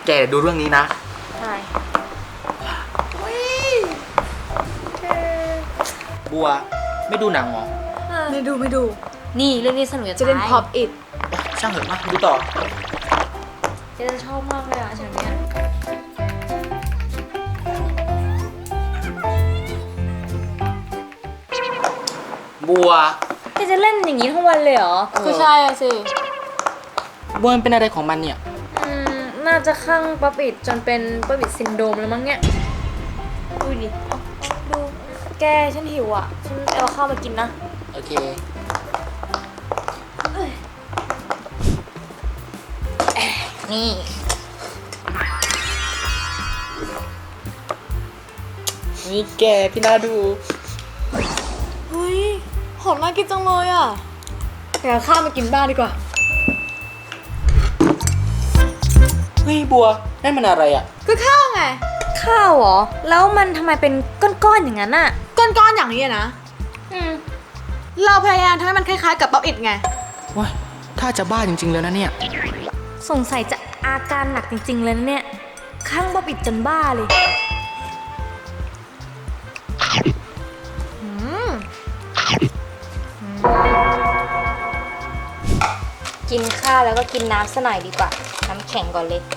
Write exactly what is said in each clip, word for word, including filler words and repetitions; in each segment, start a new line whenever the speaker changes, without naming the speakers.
แกดูเรื่องนี้นะ
ใช่
บัวไม่ดูหนังเหรอ
ไม่ดูไม่ดู
นี่เรื่องนี้สนุก
จะเล่น Pop It
ช่างเถอะมาดูต่อ
เจ๊จะชอบมากเลยอ่ะฉากเนี้ย
บัว
เจ๊จะเล่นอย่างนี้ทั้งวันเลยเหรอ
ก็ใช่อะสิ
บัวมันเป็นอะไรของมันเนี่ย
อืมน่าจะคลั่งป๊อปอิดจนเป็นป๊อปอิดซินโดรมแล้วมั้งเนี่ยดูดิดูแกฉันหิวอ่ะฉันเอาข้าวมากินนะ
โอเค
นี่
นี่แกพี่น่าดู
เฮ้ยหอมน่ากินจังเลยอ่ะแต่เอาข้าวมากินบ้างดีกว่า
เฮ้ยบัวนั่นมันอะไรอ่ะ
ก็ข้าวไง
ข้าวเหรอแล้วมันทำไมเป็นก้อนๆอย่างนั้นอ่ะ
ก้อนๆอย่างนี้นะ
อืม
เราพยายามทำให้มันคล้ายๆกับป๊อปอิดไง
ว้าถ้าจะบ้าจริงๆแล้วนะเนี่ย
สงสัยจะอาการหนักจริงๆเลยนะเนี่ยคลั่งป๊อปอิดจนบ้าเลยกินข้าวแล้วก็กินน้ำซะหน่อยดีกว่าน้ำแข็งก่อนเลย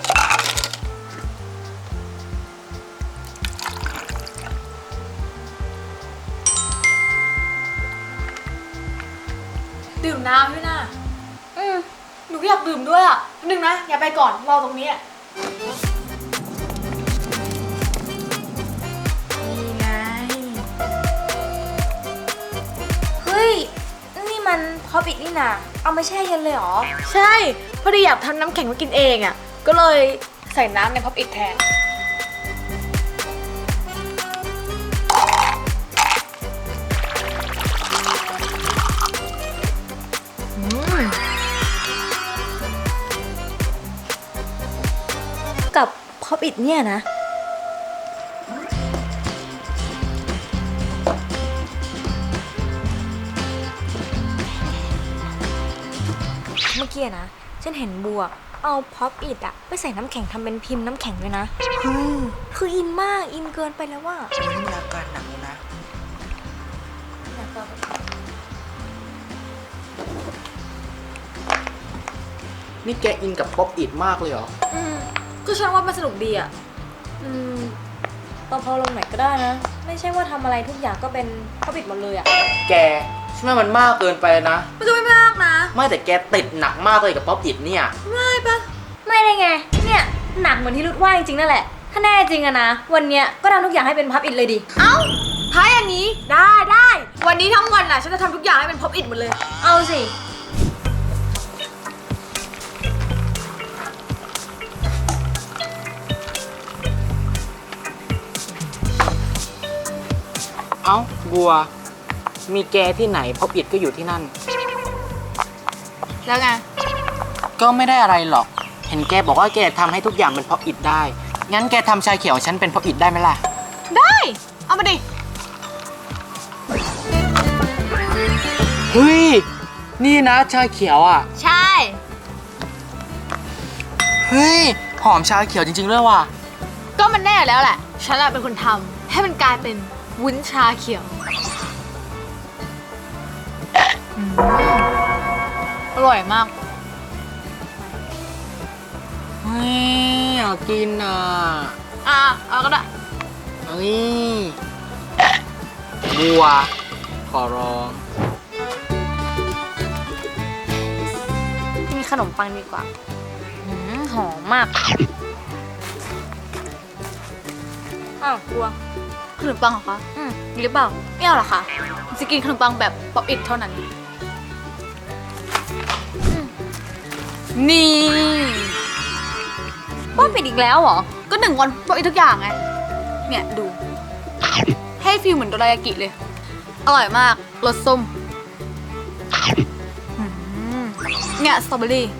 ดื่มน้ำด้วยนะอืมหนูก็อยากดื่มด้วยอ่ะนึงนะอย่าไปก่อนรอตรงนี้
นี่ไงเฮ้ยนี่มันพอปิดนี่นะเอามาแช่เย็นเลยเหรอ
ใช่พอดีอยากทำน้ำแข็งมากินเองอ่ะก็เลยใส่น้ำในพ็อปอิทแทน
กับพอปิดเนี่ยนะเมื่อกี้นะฉันเห็นบัวเอาพ็อปอิดอะไปใส่น้ำแข็งทำเป็นพิมพ์น้ำแข็งด้วยนะคืออินมากอินเกินไปแล้วว่า
มีอาการหนักเลยนะนี่แกอินกับป๊อปอิดมากเลยเหรอ
อืมก็ฉันว่ามันสนุกดีอ่ะ
อืมตอนพอลงไหนก็ได้นะไม่ใช่ว่าทำอะไรทุกอย่างก็เป็นพ็อปอิดหมดเลยอะ
แกฉันว่ามันมากเกินไปนะ
มันจะไม่มากนะ
ไม่แต่แกติดหนักมากเลยกับป๊อปอิดเนี่ย
ไม่ปะ
ไม่ได้ไงเนี่ยหนักเหมือนที่รุดว่าจริงๆนั่นแหละถ้าแน่จริงอะนะวันเนี้ยก็ทำทุกอย่างให้เป็นพ็อปอิดเลยดิ
เอ้าถ้าอย่างนี้ได้ได้วันนี้ทั้งวันน่ะฉันจะทำทุกอย่างให้เป็นพ็อปอิดหมดเลย
เอาสิ
เอ้าบัวมีแกที่ไหนพ็อปอิดก็อยู่ที่นั่น
แล้วไง
ก็ไม่ได้อะไรหรอกเห็นแกบอกว่าแกทำให้ทุกอย่างเป็นพ็อปอิดได้งั้นแกทำชาเขียวฉันเป็นพ็อปอิดได้ไหมล่ะ
ได้เอามาดิ
เฮ้ยนี่นะชาเขียวอ่ะ
ใช่
เฮ้ยหอมชาเขียวจริงๆด้วยว่ะ
ก็มันแน่แล้วแหละฉันเป็นคนทำให้มันกลายเป็นวุ้นชาเขียวอร่อยมาก
เฮ้ยอยากกินอ่ะ
อ่ะเอาก็ได้
เฮ้ยบัวขอร้อง
กินขนมปังดีกว่าหอมมากอ้าวบัว
ขนมปังเหรอคะ
อืมมีหรือเปล่า
ไม่เอาหรอคะจะกินขนมปังแบบป๊อปอิทเท่านั้นนี่
ป๊อปอิทอีกแล้วเหรอ
ก็หนึ่งวันป๊อปอิททุกอย่างไงเนี่ยดูให้ฟีลเหมือนโดรายากิเลยอร่อยมากรสส้มเนี่ยสตรอเบอรี่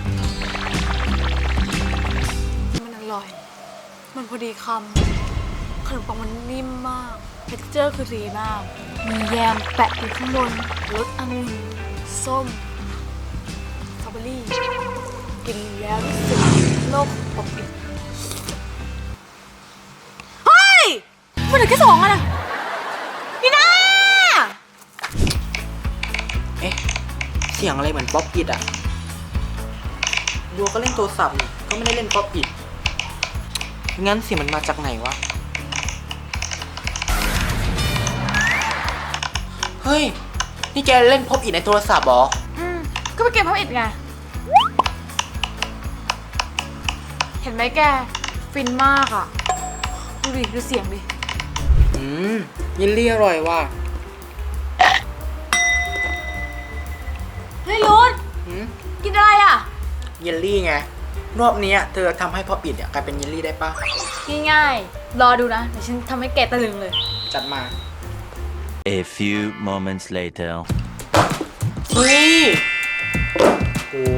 มันอร่อยมันพอดีคำขนมปังมันนิ่มมากเท็กเจอร์คือดีมากมีแยมแปะอยู่ข้างบนรสองุ่นส้มสตรอเบอรี่กินแล้วรู้สึกโลกปกติเฮ้ยมันเหลือแค่สองอ่ะนะพี่นา
เอ๊ะ เสียงอะไรเหมือนป๊อปอิดอ่ะบัวก็เล่นโทรศัพท์นี่ก็ไม่ได้เล่นป๊อปอิดงั้นเสียงมันมาจากไหนวะ เฮ้ย นี่แกเล่นป๊อปอิดในโทรศัพท์เหรอ
อืมก็ไปเก็บพับอิดไงเห็นไหมแกฟินมากอ่ะดูดิดูเสียงดิ
อืมยินลี่อร่อยว่ะ
เฮ้ยรุด
อืม
กินอะไรอ่ะ
เยลลี่ไง รอบเนี้ยเธอทำให้ป๊อปอิดเนี่ยกลายเป็นเยลลี่ได้ปะ
ง่ายๆรอดูนะเดี๋ยวฉันทำให้แกตะลึงเลย
จัดมา
A few moments later.
เฮ้ยโอ้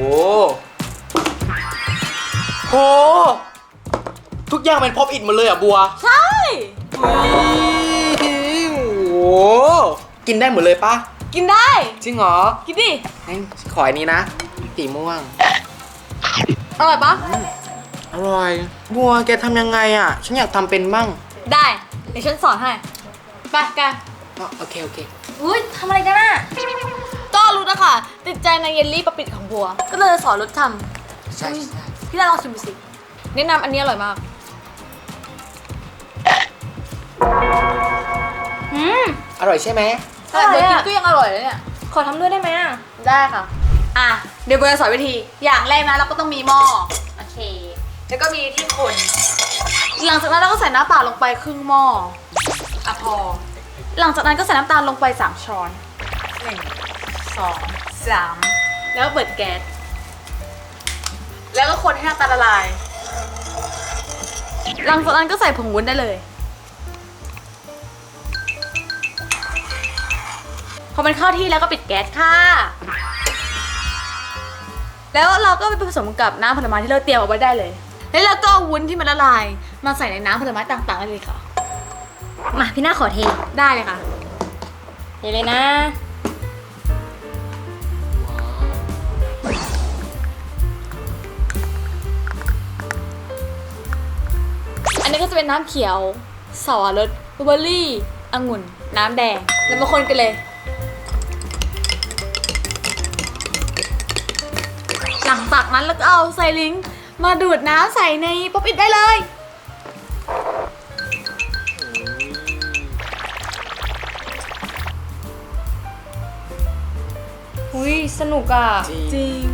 โห ทุกอย่างเป็นป๊อปอิดหมดเลยอ่ะบัว
ใช่
เฮ้ยโอ้โห กินได้หมดเลยปะ
กินได้
จริงเหรอ
กินดิ
งั้นขออันนี้นะสีม่วง
อร่อยปะ
อร่อย บัวแกทำยังไงอ่ะ ฉันอยากทำเป็นบ้าง
ได้เดี๋ยวฉันสอนให้ไปแก
อ๋อโอเค โอเค
อุ้ยทำอะไรกันน่ะก็รู้นะคะติดใจในเยลลี่ปะปิดของบัว ก็เลยสอนรถท
ใช่ใช่
ำพี่ดาลองชิมดูสิแนะนำอันนี้อร่อยมากอืม
อร่อยใช่ไหม
แต่เบอร์กินก็ยังอร่อยเลยเนี่ย
ขอทำด้วยได้ไหมอ่ะ
ได้ค่ะ อ่ะ เดี๋ยวเบอร์สอนวิธี อย่างแรกนะเราก็ต้องมีหม้อ โอเค แล้วก็มีที่คน หลังจากนั้นเราก็ใส่น้ำเปล่าลงไปครึ่งหม้อ อ่ะพอ หลังจากนั้นก็ใส่น้ำตาลลงไปสามช้อนหนึ่งสองสามแล้วก็เปิดแก๊ส แล้วก็คนให้น้ำตาลละลาย หลังจากนั้นก็ใส่ผงวุ้นได้เลย พอมันเข้าที่แล้วก็ปิดแก๊สค่ะ แล้วเราก็ไปผสมกับน้ำผลไม้ที่เราเตรียมเอาไว้ได้เลย แล้วเราก็เอาวุ้นที่มันละลาย มาใส่ในน้ำผลไม้ต่างๆได้เลยค่ะ
มาพี่หน้าขอเท
ได้เลยค่ะ
เดี๋ยวเลยนะ
อันนี้ก็จะเป็นน้ำเขียวสับปะรดบลูเบอร์รี่องุ่น น้ำแดง แล้วมาคนกันเลย หลังจากนั้นแล้วก็เอาไซลิงค์มาดูดน้ำใส่ในป๊อปอิดได้เลย
อุ้ยสนุกอ่ะ
จริง
จริง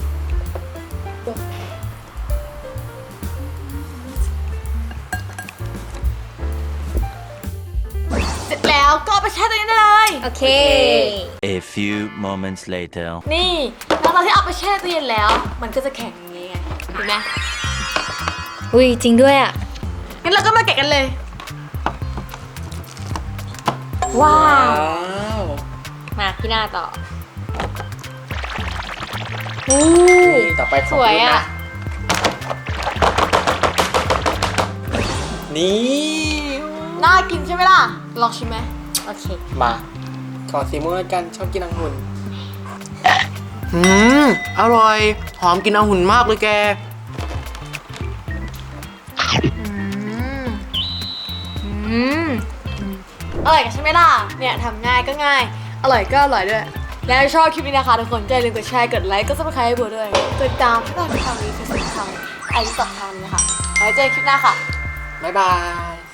เสร็จแล้วก็เอาไปแช่ตัวนี้ได้เลย
โอเค
A few moments later.
นี่หลังจากที่เอาไปแช่ตู้เย็นแล้ว มันก็จะแข็งอย่างนี้ไง เห็นไหม
อุ้ยจริงด้วยอ่ะ
งั้นเราก็มาแกะกันเลย
ว้า
ว้าว ว
มาพี่หน้าต่ออู้
นี่ต่อไปข
ส
อง
วย
คุณ
อ่ะ
นะ นี่
น่ากินใช่ไหมล่ะ ลองชิมไหม
โอเค
มา ขอสีม่วงแล้วกันชอบกินองุ่นอืม อร่อย หอมกินองุ่นมากเลยแก
อืม อืม อร่อยกันใช่ไหมล่ะ เนี่ยทำง่ายก็ง่าย อร่อยก็อร่อยด้วย แล้วชอบคลิปนี้นะคะทุกคนก็อย่าลืมกดแชร์กดไลค์กดซับสไครต์ให้บัวด้วยกดติดตามช่องทางนี้คือทางไอซ์สองทางนี้ค่ะไว้เจอกันคลิปหน้าค่ะ
บ๊ายบาย